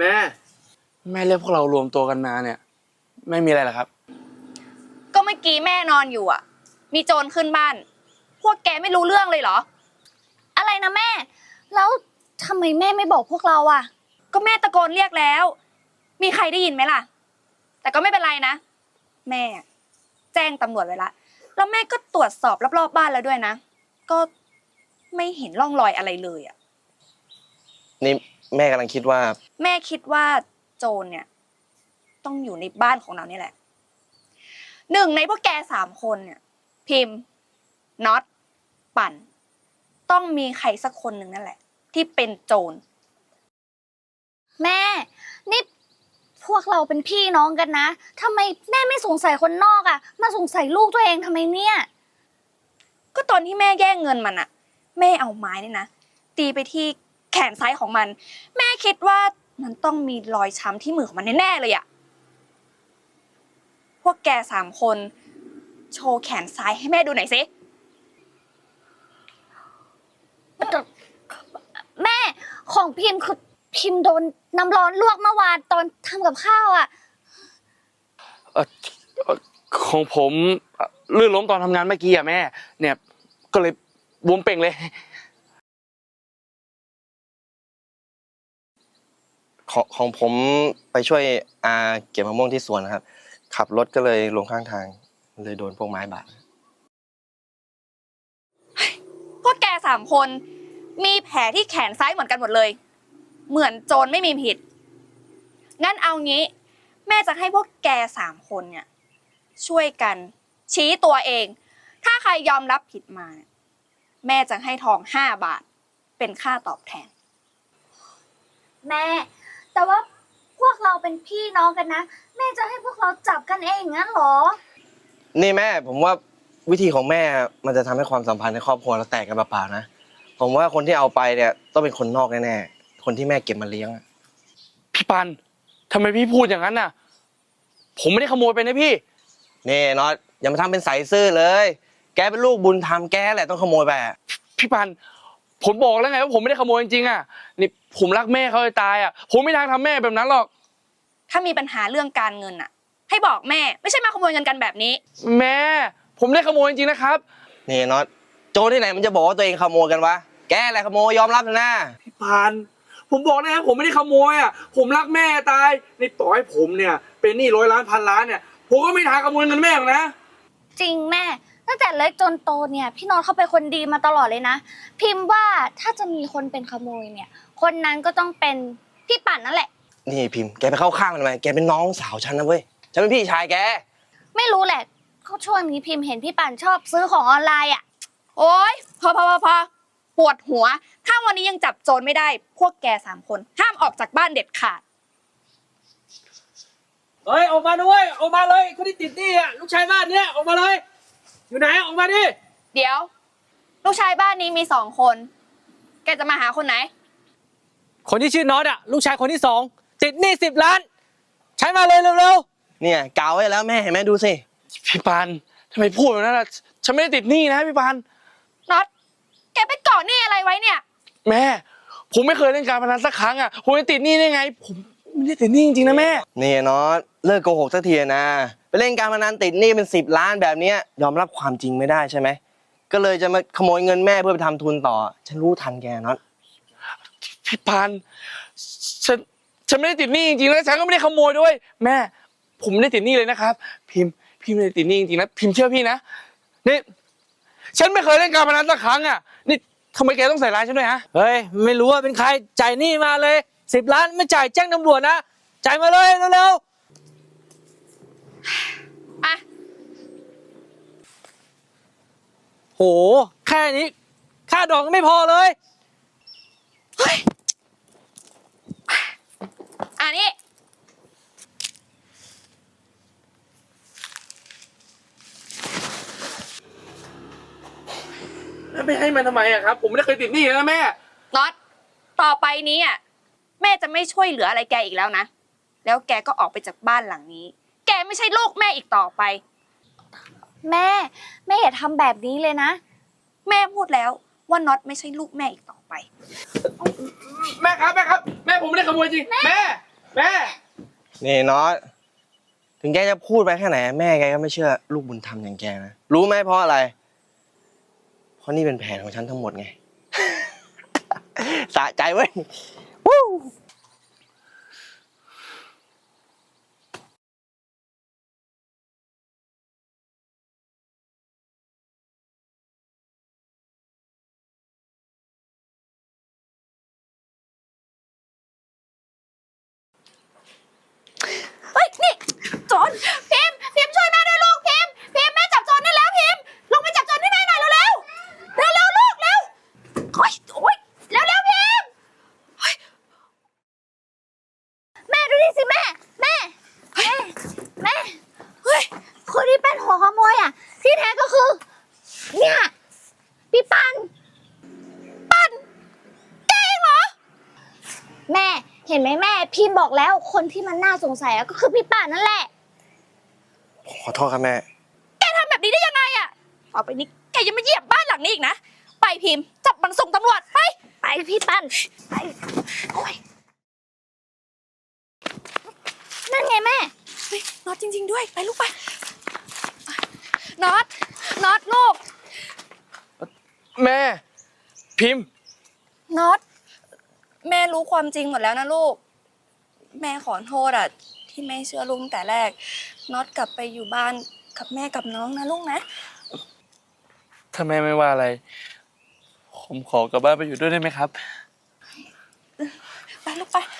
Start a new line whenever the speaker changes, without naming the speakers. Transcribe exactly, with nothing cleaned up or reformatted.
แม่แม่เรียกพวกเรารวมตัวกันมาเนี่ยไม่มีอะไรหรอครับ
ก็เมื่อกี้แม่นอนอยู่อ่ะมีโจรขึ้นบ้านพวกแกไม่รู้เรื่องเลยเหรออะไรนะแม่แล้วทำไมแม่ไม่บอกพวกเราอ่ะก็แม่ตะโกนเรียกแล้วมีใครได้ยินไหมล่ะแต่ก็ไม่เป็นไรนะแม่แจ้งตำรวจไว้ละแล้วแม่ก็ตรวจสอบรอบๆบ้านแล้วด้วยนะก็ไม่เห็นร่องรอยอะไรเลยอ่ะ
นี่แม่กำลังคิดว่า
แม่คิดว่าโจรเนี่ยต้องอยู่ในบ้านของเรานี่แหละหนึ่งในพวกแกสามคนเนี่ยพิมพ์น็อตปั่นต้องมีใครสักคนหนึ่งนั่นแหละที่เป็นโจรแม่นี่พวกเราเป็นพี่น้องกันนะทำไมแม่ไม่สงสัยคนนอกอ่ะมาสงสัยลูกตัวเองทำไมเนี่ยก็ตอนที่แม่แย่งเงินมันอ่ะแม่เอาไม้นี่นะตีไปที่แขนซ้ายของมันแม่คิดว่ามันต้องมีรอยช้ำที่มือของมันแน่ๆเลยอ่ะพวกแกสามคนโชว์แขนซ้ายให้แม่ดูหน่อยสิแม่ของพิมพ์คือพิมพ์โดนน้ำร้อนลวกเมื่อวานตอนทำกับข้าวอ่ะ
เออของผมลื่นล้มตอนทำงานเมื่อกี้อะแม่เนี่ยก็เลยบวมเป่งเลย
ของของผมไปช่วยอาเก็บมะม่วงที่สวนนะครับขับรถก็เลยลงข้างทางเลยโดนพวกไม้บาด
พวกแกสามคนมีแผลที่แขนซ้ายเหมือนกันหมดเลยเหมือนโจรไม่มีผิดงั้นเอางี้แม่จะให้พวกแกสามคนเนี่ยช่วยกันชี้ตัวเองถ้าใครยอมรับผิดมาแม่จะให้ทองห้าบาทเป็นค่าตอบแทนแม่แต่ว่าพวกเราเป็นพี่น้องกันนะแม่จะให้พวกเราจับกันเองงั้นหรอ
นี่แม่ผมว่าวิธีของแม่มันจะทำให้ความสัมพันธ์ในครอบครัวเราแตกกันเปล่าๆนะผมว่าคนที่เอาไปเนี่ยต้องเป็นคนนอกแน่ๆคนที่แม่เก็บมาเลี้ยง
พี่ปันทำไมพี่พูดอย่างนั้นน่ะผมไม่ได้ขโมยไปนะพี่
นี่น็อตอย่ามาทำเป็นใส่ซื่อเลยแกเป็นลูกบุญธรรมแกแหละต้องขโมยไป
พี่ปันผมบอกแล้วไงว่าผมไม่ได้ขโมยจริงๆอ่ะนี่ผมรักแม่เขาจะตายอ่ะผมไม่ทางทำแม่แบบนั้นหรอกถ้ามีปัญหาเรื่องการเงินอ่ะให้บอกแม่ไม่ใช่มาขโมยเงินกันแบบนี้แม่ผมไม่ได้ขโมยจริงๆนะครับ
นี่น็อตโจรที่ไหนมันจะบอกว่าตัวเองขโมยกันวะแกแหละขโมยยอมรับนะ
พี่ปันผมบอกนะครับผมไม่ได้ขโมยอ่ะผมรักแม่ตายนี่ต่อให้ผมเนี่ยเป็นหนี้ร้อยล้านพันล้านเนี่ยผมก็ไม่ทางขโมยเงินแม่หรอกนะ
จริงแม่ตั้งแต่เล็กจนโตเนี่ยพี่น้องเขาเป็นคนดีมาตลอดเลยนะพิมพ์ว่าถ้าจะมีคนเป็นขโมยเนี่ยคนนั้นก็ต้องเป็นพี่ปั่นนั่นแหละ
นี่พิมพ์แกไปเข้าข้างมันทำไมแกเป็นน้องสาวฉันนะเว้ยฉันเป็นพี่ชายแก
ไม่รู้แหละเขาช่วงนี้พิมพ์เห็นพี่ปั่นชอบซื้อของออนไลน์อ่ะโอ๊ยพอพอพอพอปวดหัวถ้าวันนี้ยังจับโจรไม่ได้พวกแกสามคนห้ามออกจากบ้านเด็ดขาด
เฮ้ยออกมาด้วยออกมาเลยคนที่ติดหนี้อ่ะลูกชายบ้านเนี้ยออกมาเลยอยู่ไหนออกมาดิ
เดี๋ยวลูกชายบ้านนี้มีสองคนแกจะมาหาคนไหน
คนที่ชื่อน็อตอ่ะลูกชายคนที่สองติดหนี้สิบล้านใช้มาเลยเร็ว
ๆเนี่ยกาวไว้แล้วแม่เห็นไหมดูสิ
พี่ปานทำไมพูดแบบนั้นล่ะฉันไม่ได้ติดหนี้นะพี่ปาน
น็อตแกไปก่อหนี้อะไรไว้เนี่ย
แม่ผมไม่เคยเล่นการพนันสักครั้งอ่ะผมจะติดหนี้ได้ไงผมไม่ได้ติดหนี้จริงๆนะแม่
นี่น็อตเลิกโกหกสักทีนะไปเล่นการพนันติดหนี้เป็นสิบล้านแบบนี้ยอมรับความจริงไม่ได้ใช่ไหมก็เลยจะมาขโมยเงินแม่เพื่อไปทำทุนต่อฉันรู้ทันแกน็อต
พี่ปานฉันฉันไม่ได้ติดหนี้จริงๆแล้วฉันก็ไม่ได้ขโมยด้วยแม่ผมไม่ได้ติดหนี้เลยนะครับพิมพ์พิมพ์ไม่ได้ติดหนี้จริงๆนะพิมพ์เชื่อพี่นะนี่ฉันไม่เคยเล่นการพนันสักครั้งอ่ะนี่ทำไมแกต้องใส่ร้ายฉันด้วยฮะ
เฮ้ยไม่รู้ว่าเป็นใครจ่ายหนี้มาเลยสิบล้านไม่จ่ายแจ้งตำรวจนะจ่ายมาเลยเร็ว
ๆอ่ะ
โหแค่นี้ค่าดอกก็ไม่พอเลย
เฮ้ยอันนี้
แล้วไม่ให้มันทำไมอะครับผมไม่ได้เคยติดหนี้นะแม่
น็อตต่อไปนี้อ่ะแม่จะไม่ช่วยเหลืออะไรแกอีกแล้วนะแล้วแกก็ออกไปจากบ้านหลังนี้แกไม่ใช่ลูกแม่อีกต่อไปแม่แม่อย่าทำแบบนี้เลยนะแม่พูดแล้วว่าน็อตไม่ใช่ลูกแม่อีกต่อไป
แม่ครับแม่ครับแม่ผมไม่ได้ขโมยจริงแม่แม่
นี่น็อตถึงแกจะพูดไปแค่ไหนแม่แกก็ไม่เชื่อลูกบุญธรรมอย่างแกนะรู้ไหมเพราะอะไร เพราะนี่เป็นแผนของฉันทั้งหมดไง สะใจเว้ยวู้
เฮ้ย นี่โจรพิมพ์พิมพ์ช่วยแม่ด้วยลูกพิมพ์พิมพ์แม่จับโจรได้แล้วพิมพ์ลงไปจับโจรให้แม่หน่อยเร็วเร็วเร็วเร็วลูกเร็วโอ้ยโอ้ยเร็วเร็วพิมพ์เฮ้ยแม่ดูนี่สิแม่แม่แม่แม่เฮ้ยคนที่เป็นหัวขโมยอ่ะที่แท้ก็คือเนี่ยพี่ปันปันแกเองเหรอแม่เห็นไหมแม่พี่บอกแล้วคนที่มันน่าสงสัยก็คือพี่ป่านนั่นแหละ
ขอโทษครับแม่
แกทำแบบนี้ได้ยังไงอะต่อไปนี้แกยังมาเหยียบบ้านหลังนี้อีกนะไปพิมพ์จับมันส่งตำรวจไปไปพี่ปันไปโอ้ยนั่นไงแม่เฮ้ยน็อตจริง ๆด้วยไปลูกไปน็อตน็อตลูก
แม่ พิมพ์
น็อตแม่รู้ความจริงหมดแล้วนะลูกแม่ขอโทษอะที่ไม่เชื่อลุงแต่แรกน็อตกลับไปอยู่บ้านกับแม่กับน้องนะลูกนะ
ถ้าแม่ไม่ว่าอะไร ผมขอกลับบ้านไปอยู่ด้วยได้ไหมครับ
ไปลูกไป